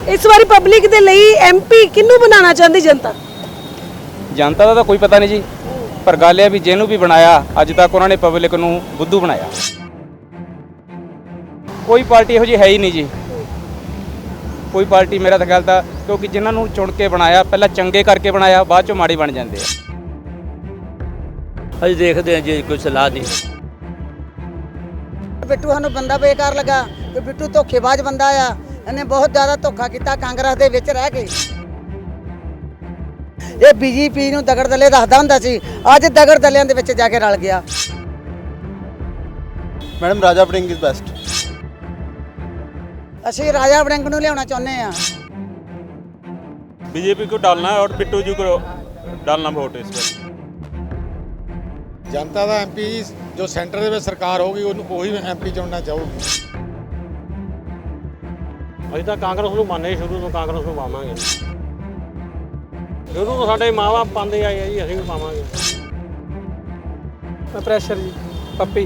इस बार पब्लिक दे ਲਈ एमपी किन्नू बनाना चाहती जनता? जनता का तो कोई पता नहीं जी, पर गल है भी जिन्हों भी बनाया अज तक उन्होंने पब्लिक नूं बुद्धू बनाया। कोई पार्टी इहो जी है ही नहीं जी, कोई पार्टी मेरा तो ख्याल था, क्योंकि जिन्होंने चुन के बनाया पहला चंगे करके बनाया, बाद चों माड़ी बन जाते हैं। अज देखते हैं जी, कोई सलाह नहीं। बिट्टू सानू बंदा बेकार लगा कि बिट्टू धोखेबाज बंदा आ, इन्हें बहुत ज़्यादा धोखा किया कांग्रेस दे विच रह के। ये बीजेपी नूं दगड़ दले दसदा हुंदा सी, अज दगड़ दलियां दे विच जाके रल गया। Madam Raja Warring is best. असीं राजा वड़िंग नूं लियाउणा चाहुंदे आ। बीजेपी को डालना है और बिट्टू जी को डालना वोट इस पर। जनता का एम पी जो सेंटर ਦੇ ਵਿੱਚ ਸਰਕਾਰ ਹੋਗੀ ਉਹੀ ਐਮਪੀ ਚੁਣਨਾ ਚਾਹੂਗੀ। ਅਸੀਂ ਤਾਂ ਕਾਂਗਰਸ ਨੂੰ ਮੰਨੇ ਸ਼ੁਰੂ ਤੋਂ, ਕਾਂਗਰਸ ਨੂੰ ਪਾਵਾਂਗੇ। ਸ਼ੁਰੂ ਤੋਂ ਸਾਡੇ ਮਾਂ-ਬਾਪ ਪਾਉਂਦੇ ਆਏ ਆ ਜੀ, ਅਸੀਂ ਵੀ ਪਾਵਾਂਗੇ। ਪ੍ਰੈਸ਼ਰ ਜੀ ਪੱਪੀ।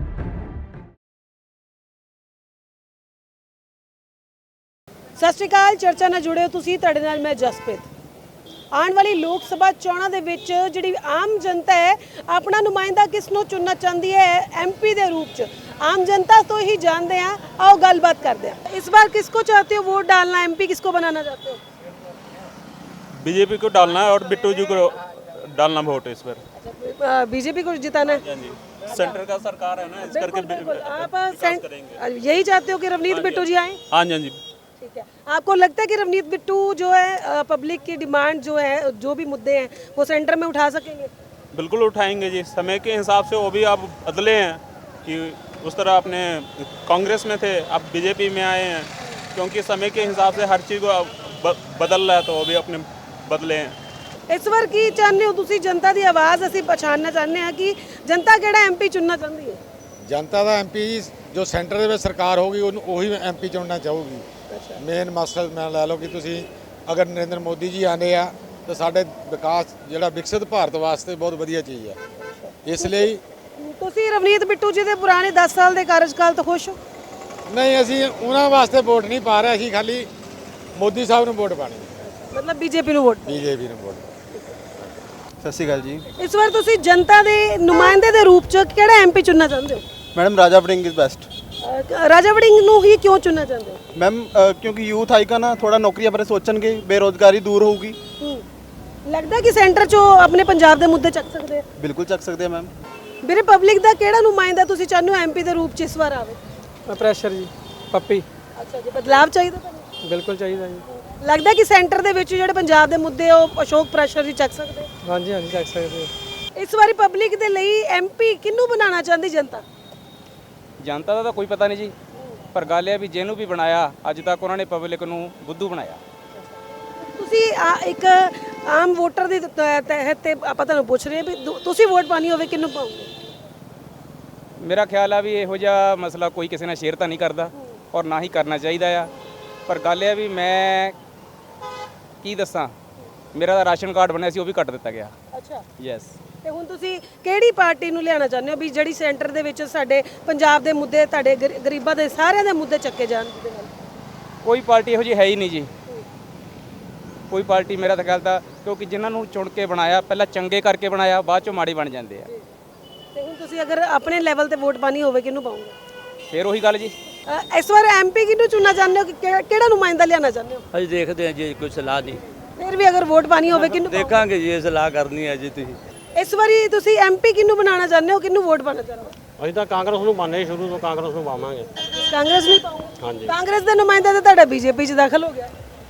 ਸਤਿ ਸ਼੍ਰੀ ਅਕਾਲ, ਚਰਚਾ ਨਾਲ ਜੁੜੇ ਹੋ ਤੁਸੀਂ, ਤੁਹਾਡੇ ਨਾਲ ਮੈਂ ਜਸਪ੍ਰੀਤ। ਆਉਣ ਵਾਲੀ ਲੋਕ ਸਭਾ ਚੋਣਾਂ ਦੇ ਵਿੱਚ ਜਿਹੜੀ ਆਮ ਜਨਤਾ ਹੈ ਆਪਣਾ ਨੁਮਾਇੰਦਾ ਕਿਸ ਨੂੰ ਚੁਣਨਾ ਚਾਹੁੰਦੀ ਹੈ एमपी ਦੇ रूप ਚ, आम जनता तो ही जानते हैं। आओ गलबात करते हैं। इस बार किसको चाहते हो वोट डालना, एमपी किसको बनाना चाहते हो? बीजेपी को डालना है और बिट्टू जी को डालना वोट इस पर। बीजेपी को जिताना है? सेंटर का सरकार है ना, इस करके आप यही चाहते हो कि रवनीत बिट्टू जी आए? हाँ जी, हाँ जी। ठीक है, आपको लगता है कि रवनीत बिट्टू जो है पब्लिक की डिमांड जो है, जो भी मुद्दे हैं वो सेंटर में उठा सकेंगे? बिल्कुल उठाएंगे जी, समय के हिसाब से वो भी आप बदले हैं कि उस तरह अपने कांग्रेस में थे, अब बीजेपी में आए हैं, क्योंकि समय के हिसाब से हर चीज़ को बदल रहा है, तो वो भी अपने बदले हैं। इस बार की चाहते हो तुसी जनता की आवाज़ असीं पछाणना चाहते हैं कि जनता किहड़ा एमपी चुनना चाहती है? जनता का एम पी जो सेंटर ਦੇ ਵਿੱਚ ਸਰਕਾਰ ਹੋਗੀ ਉਹੀ ਐਮਪੀ ਚੁਣਨਾ ਚਾਹੂਗੀ। ਮੇਨ ਮਸਲਾ ਮੈਂ ਲੈ ਲਓ ਕਿ ਤੁਸੀਂ ਅਗਰ ਨਰਿੰਦਰ ਮੋਦੀ ਜੀ ਆਉਂਦੇ ਆ ਤਾਂ ਸਾਡੇ ਵਿਕਾਸ ਜਿਹੜਾ ਵਿਕਸਿਤ ਭਾਰਤ ਵਾਸਤੇ ਬਹੁਤ ਵਧੀਆ ਚੀਜ਼ ਹੈ। ਇਸ ਲਈ ਤੁਸੀਂ ਰਵਨੀਤ ਬਿੱਟੂ ਜੀ ਦੇ ਪੁਰਾਣੇ 10 ਸਾਲ ਦੇ ਕਾਰਜਕਾਲ ਤੋਂ ਖੁਸ਼ ਹੋ? ਨਹੀਂ, ਅਸੀਂ ਉਹਨਾਂ ਵਾਸਤੇ ਵੋਟ ਨਹੀਂ ਪਾ ਰਹੇ, ਅਸੀਂ ਖਾਲੀ ਮੋਦੀ ਸਾਹਿਬ ਨੂੰ ਵੋਟ ਪਾਣੀ। ਮਤਲਬ ਬੀਜੇਪੀ ਨੂੰ ਵੋਟ? ਬੀਜੇਪੀ ਨੂੰ ਵੋਟ। ਸਤਿ ਸ਼੍ਰੀ ਅਕਾਲ ਜੀ। ਇਸ ਵਾਰ ਤੁਸੀਂ ਜਨਤਾ ਦੇ ਨੁਮਾਇੰਦੇ ਦੇ ਰੂਪ ਚ ਕਿਹੜਾ ਐਮਪੀ ਚੁਣਨਾ ਚਾਹੁੰਦੇ ਹੋ? Madam Raja Warring is best. Raja Warring ਨੂੰ ਹੀ ਕਿਉਂ ਚੁਣਨਾ ਚਾਹੁੰਦੇ ਹੋ? मैम क्योंकि यूथ आएगा ना, थोड़ा नौकरियां बारे सोचणगे, बेरोजगारी दूर होगी। ਲੱਗਦਾ ਕਿ ਸੈਂਟਰ ਚੋਂ ਆਪਣੇ ਪੰਜਾਬ ਦੇ ਮੁੱਦੇ ਚੱਕ ਸਕਦੇ ਆ? बिल्कुल चक सकते हैं मैम। ਵੀਰੇ ਪਬਲਿਕ ਦਾ ਕਿਹੜਾ ਨੁਮਾਇੰਦਾ ਤੁਸੀਂ ਚਾਹੁੰਦੇ ਹੋ ਐਮਪੀ ਦੇ ਰੂਪ ਚ ਇਸ ਵਾਰ ਆਵੇ? ਪ੍ਰੈਸ਼ਰ ਜੀ ਪੱਪੀ। ਅੱਛਾ ਜੀ, ਬਦਲਾਵ ਚਾਹੀਦਾ ਤੁਹਾਨੂੰ? ਬਿਲਕੁਲ ਚਾਹੀਦਾ ਜੀ। ਲੱਗਦਾ ਕਿ ਸੈਂਟਰ ਦੇ ਵਿੱਚ ਜਿਹੜੇ ਪੰਜਾਬ ਦੇ ਮੁੱਦੇ ਉਹ ਅਸ਼ੋਕ ਪ੍ਰੈਸ਼ਰ ਜੀ ਚੱਕ ਸਕਦੇ? ਹਾਂਜੀ ਹਾਂਜੀ ਚੱਕ ਸਕਦੇ। ਇਸ ਵਾਰੀ ਪਬਲਿਕ ਦੇ ਲਈ ਐਮਪੀ ਕਿਹਨੂੰ ਬਣਾਉਣਾ ਚਾਹੁੰਦੀ ਜਨਤਾ? जनता का तो कोई पता नहीं जी, पर गल है भी जिन्हों भी बनाया अज तक उन्होंने पब्लिक नूं बुद्धू बनाया। ਤੁਸੀਂ ਇੱਕ ਆਮ ਵੋਟਰ ਦੇ ਤਹਿਤ ਤੇ ਆਪਾਂ ਤੁਹਾਨੂੰ ਪੁੱਛ ਰਹੇ ਵੀ ਤੁਸੀਂ ਵੋਟ ਪਾਣੀ ਹੋਵੇ ਕਿਹਨੂੰ ਪਾਓਗੇ? मेरा ख्याल है भी इहो जिहा मसला कोई किसी ने शेयर तो नहीं करता और ना ही करना चाहिए आ, पर गल है भी मैं की दसां, मेरा तो राशन कार्ड बनया सी वो भी कट दिता गया। ਅੱਛਾ, यस। ਤੇ ਹੁਣ ਤੁਸੀਂ ਕਿਹੜੀ ਪਾਰਟੀ ਨੂੰ ਲਿਆਉਣਾ ਚਾਹੁੰਦੇ ਹੋ ਵੀ ਜਿਹੜੀ ਸੈਂਟਰ ਦੇ ਵਿੱਚ ਸਾਡੇ ਪੰਜਾਬ ਦੇ ਮੁੱਦੇ, ਤੁਹਾਡੇ ਗਰੀਬਾਂ ਦੇ ਸਾਰਿਆਂ ਦੇ ਮੁੱਦੇ ਚੱਕੇ ਜਾਣ? ਜਿਹਦੇ ਨਾਲ कोई पार्टी इहो जी है ही नहीं जी, कोई पार्टी मेरा तो ख्याल था, क्योंकि जिन्होंने चुन के बनाया पहला चंगे करके बनाया, बाद चों माड़ी बन जाते हैं। ਤੇ ਹੁਣ ਤੁਸੀਂ ਅਗਰ ਆਪਣੇ ਲੈਵਲ ਤੇ ਵੋਟ ਪਾਣੀ ਹੋਵੇ ਕਿਹਨੂੰ ਪਾਓਗੇ? फिर वही गल जी। ਇਸ ਵਾਰ ਐਮਪੀ ਕਿਹਨੂੰ ਚੁਣਨਾ ਚਾਹੁੰਦੇ ਹੋ ਕਿ ਕਿਹੜਾ ਨੁਮਾਇੰਦਾ ਲਿਆਉਣਾ ਚਾਹੁੰਦੇ ਹੋ? अज देखते हैं जी, कोई सलाह नहीं। ਫਿਰ ਵੀ ਅਗਰ ਵੋਟ ਪਾਣੀ ਹੋਵੇ ਕਿਹਨੂੰ ਪਾਓਗੇ? देखेंगे जी, सलाह करनी है जी। तुसीं ਇਸ ਵਾਰੀ ਤੁਸੀਂ ਐਮਪੀ ਕਿਹਨੂੰ ਬਣਾਉਣਾ ਚਾਹੁੰਦੇ ਹੋ, ਕਿਹਨੂੰ ਵੋਟ ਪਾਣਾ ਚਾਹੁੰਦੇ ਹੋ? ਅਸੀਂ ਤਾਂ ਕਾਂਗਰਸ ਨੂੰ ਮੰਨੇ ਸ਼ੁਰੂ ਤੋਂ, ਕਾਂਗਰਸ ਨੂੰ ਪਾਵਾਂਗੇ। ਕਾਂਗਰਸ ਨੂੰ ਪਾਓਗੇ? ਹਾਂਜੀ। ਕਾਂਗਰਸ ਦੇ ਨੁਮਾਇੰਦਾ ਤਾਂ ਤੁਹਾਡਾ ਬੀਜੇਪੀ 'ਚ ਦਾਖਲ ਹੋ ਗਿਆ।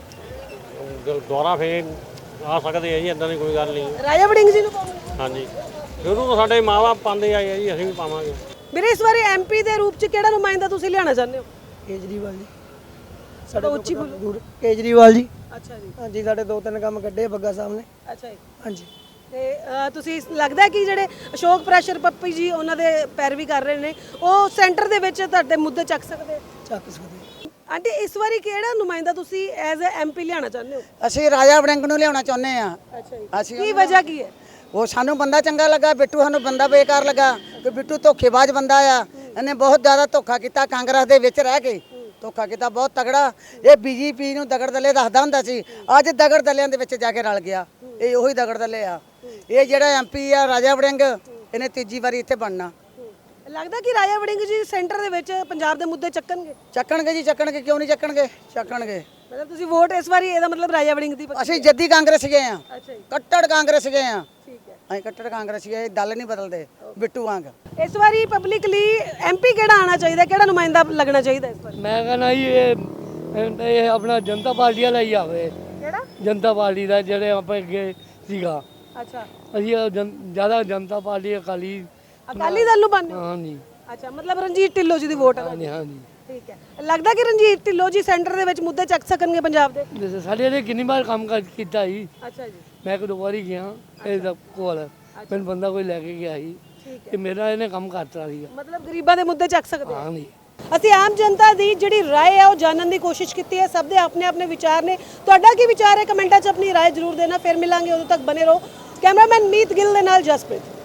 ਦੁਆਰਾ ਫੇਰ ਆ ਸਕਦੇ ਆ ਜੀ, ਇਦਾਂ ਦੀ ਕੋਈ ਗੱਲ ਨਹੀਂ। ਰਾਜਾ ਵੜਿੰਗ ਜੀ ਨੂੰ ਪਾਓਗੇ? ਹਾਂਜੀ, ਸ਼ੁਰੂ ਤੋਂ ਸਾਡੇ ਮਾਂ-ਬਾਪ ਪਾਉਂਦੇ ਆਏ ਆ ਜੀ, ਅਸੀਂ ਵੀ ਪਾਵਾਂਗੇ। ਵੀਰੇ ਇਸ ਵਾਰੀ ਐਮਪੀ ਦੇ ਰੂਪ 'ਚ ਕਿਹੜਾ ਨੁਮਾਇੰਦਾ ਤੁਸੀਂ ਲਿਆਉਣਾ ਚਾਹੁੰਦੇ ਹੋ? ਕੇਜਰੀਵਾਲ ਜੀ। ਸਾਡਾ ਉੱਚੀ ਬੋਲੋ। ਕੇਜਰੀਵਾਲ ਜੀ। ਅੱਛਾ ਜੀ। ਹਾਂਜੀ, ਸਾਡੇ 2-3 ਕੰਮ ਕੱਢੇ ਬੱਗਾ ਸਾਹਿਬ ਨੇ। ਅੱਛਾ ਜੀ। ਹਾਂਜੀ। ਤੇ ਤੁਸੀਂ ਲੱਗਦਾ ਕਿ ਜਿਹੜੇ ਅਸ਼ੋਕ ਪ੍ਰੈਸ਼ਰ ਪੱਪੀ ਜੀ ਉਹਨਾਂ ਦੇ ਪੈਰਵੀ ਕਰ ਰਹੇ ਨੇ ਉਹ ਸੈਂਟਰ ਦੇ ਵਿੱਚ ਤੁਹਾਡੇ ਮੁੱਦੇ ਚੱਕ ਸਕਦੇ? ਚੱਕ ਸਕਦੇ। ਆਂਟੀ ਇਸ ਵਾਰੀ ਕਿਹੜਾ ਨੁਮਾਇੰਦਾ ਤੁਸੀਂ ਐਜ਼ ਅ ਐਮਪੀ ਲਿਆਉਣਾ ਚਾਹੁੰਦੇ ਹੋ? ਅਸੀਂ ਰਾਜਾ ਵੜਿੰਗ ਨੂੰ ਲਿਆਉਣਾ ਚਾਹੁੰਦੇ ਆ। ਅੱਛਾ ਜੀ, ਅਸੀਂ ਕੀ ਵਜ੍ਹਾ ਕੀ ਹੈ? ਉਹ ਸਾਨੂੰ ਬੰਦਾ ਚੰਗਾ ਲੱਗਾ, ਬਿੱਟੂ ਸਾਨੂੰ ਬੰਦਾ ਬੇਕਾਰ ਲੱਗਾ ਕਿ ਬਿੱਟੂ ਧੋਖੇਬਾਜ਼ ਬੰਦਾ ਆ, ਇਹਨੇ ਬਹੁਤ ਜ਼ਿਆਦਾ ਧੋਖਾ ਕੀਤਾ ਕਾਂਗਰਸ ਦੇ ਵਿੱਚ ਰਹਿ ਕੇ। ਧੋਖਾ ਕੀਤਾ ਬਹੁਤ ਤਗੜਾ। ਇਹ ਬੀਜੇਪੀ ਨੂੰ ਦਗੜ ਦਲੇ ਦੱਸਦਾ ਹੁੰਦਾ ਸੀ, ਅੱਜ ਦਗੜ ਦਲਿਆਂ ਦੇ ਵਿੱਚ ਜਾ ਕੇ ਰਲ ਗਿਆ। ਇਹ ਉਹੀ ਦਗੜ ਦਲੇ ਆ। ਇਹ ਜਿਹੜਾ ਐਮਪੀ ਆ ਰਾਜਾ ਵੜਿੰਗ, ਇਹਨੇ ਤੀਜੀ ਵਾਰੀ ਇੱਥੇ ਬਣਨਾ। ਲੱਗਦਾ ਕਿ ਰਾਜਾ ਵੜਿੰਗ ਜੀ ਸੈਂਟਰ ਦੇ ਵਿੱਚ ਪੰਜਾਬ ਦੇ ਮੁੱਦੇ ਚੱਕਣਗੇ? ਚੱਕਣਗੇ ਜੀ, ਚੱਕਣਗੇ, ਕਿਉਂ ਨਹੀਂ ਚੱਕਣਗੇ, ਚੱਕਣਗੇ। ਮਤਲਬ ਤੁਸੀਂ ਵੋਟ ਇਸ ਵਾਰੀ ਇਹਦਾ ਮਤਲਬ ਰਾਜਾ ਵੜਿੰਗ ਦੀ ਪੱਕੀ? ਅਸੀਂ ਜੱਦੀ ਕਾਂਗਰਸ ਗਏ ਆ, ਅੱਛਾ ਜੀ, ਕੱਟੜ ਕਾਂਗਰਸ ਗਏ ਆ। ਠੀਕ ਹੈ। ਅਸੀਂ ਕੱਟੜ ਕਾਂਗਰਸ ਗਏ, ਦਲ ਨਹੀਂ ਬਦਲਦੇ ਬਿੱਟੂ ਵਾਂਗ। ਇਸ ਵਾਰੀ ਪਬਲਿਕਲੀ ਐਮਪੀ ਕਿਹੜਾ ਆਣਾ ਚਾਹੀਦਾ, ਕਿਹੜਾ ਨੁਮਾਇੰਦਾ ਲੱਗਣਾ ਚਾਹੀਦਾ ਇਸ ਵਾਰੀ? ਮੈਂ ਕਹਿੰਦਾ ਜੀ ਇਹ ਆਪਣਾ ਜਨਤਾ ਪਾਰਟੀ ਵਾਲਾ ਹੀ ਆਵੇ। ਕਿਹੜਾ? ਜਨਤਾ ਪਾਰਟੀ ਦਾ ਜਿਹੜੇ ਆਪਾਂ ਅੱਗੇ ਸੀਗਾ, ਅੱਛਾ, ਅਸੀਂ ਜ਼ਿਆਦਾ ਜਨਤਾ ਪਾਰਟੀ ਅਕਾਲੀ। ਅਕਾਲੀ ਦਲ ਨੂੰ ਬੰਨ੍ਹਦੇ ਹੋ? ਹਾਂਜੀ ਅੱਛਾ, ਮਤਲਬ ਰਣਜੀਤ ਢਿੱਲੋਂ ਜੀ ਦੀ ਵੋਟ ਹੈ। ਹਾਂਜੀ ਹਾਂਜੀ। ਠੀਕ ਹੈ। ਲੱਗਦਾ ਕਿ ਰਣਜੀਤ ਢਿੱਲੋਂ ਜੀ ਸੈਂਟਰ ਦੇ ਵਿੱਚ ਮੁੱਦੇ ਚੱਕ ਸਕਣਗੇ ਪੰਜਾਬ ਦੇ? ਜੈਸੇ ਸਾਡੇ ਇਹਨੇ ਕਿੰਨੀ ਵਾਰ ਕੰਮ ਕੀਤਾ ਜੀ। ਅੱਛਾ ਜੀ, ਮੈਂ ਇੱਕ ਦੋ ਵਾਰੀ ਗਿਆ ਇਹਦੇ ਕੋਲ, ਮੈਨੂੰ ਬੰਦਾ ਕੋਈ ਲੈ ਕੇ ਗਿਆ ਸੀ ਕਿ ਮੇਰਾ ਇਹਨੇ ਕੰਮ ਕਰਤਾ ਸੀਗਾ। ਮਤਲਬ ਗਰੀਬਾਂ ਦੇ ਮੁੱਦੇ ਚੱਕ ਸਕਦੇ ਆ। ਹਾਂਜੀ। ਅਸੀਂ ਆਮ ਜਨਤਾ ਦੀ ਜਿਹੜੀ ਰਾਏ ਹੈ ਉਹ ਜਾਣਨ ਦੀ ਕੋਸ਼ਿਸ਼ ਕੀਤੀ ਹੈ। ਸਭ ਦੇ ਆਪਣੇ ਆਪਣੇ ਵਿਚਾਰ ਨੇ। ਤੁਹਾਡਾ ਕੀ ਵਿਚਾਰ ਹੈ? ਕਮੈਂਟਾਂ 'ਚ ਆਪਣੀ ਰਾਏ ਜ਼ਰੂਰ ਦੇਣਾ। ਫਿਰ ਮਿਲਾਂਗੇ, ਉਦੋਂ ਤੱਕ ਬਨੇ ਰਹੋ। ਕੈਮਰਾਮੈਨ ਮੀਤ ਗਿੱਲ ਦੇ ਨਾਲ ਜਸਪ੍ਰੀਤ।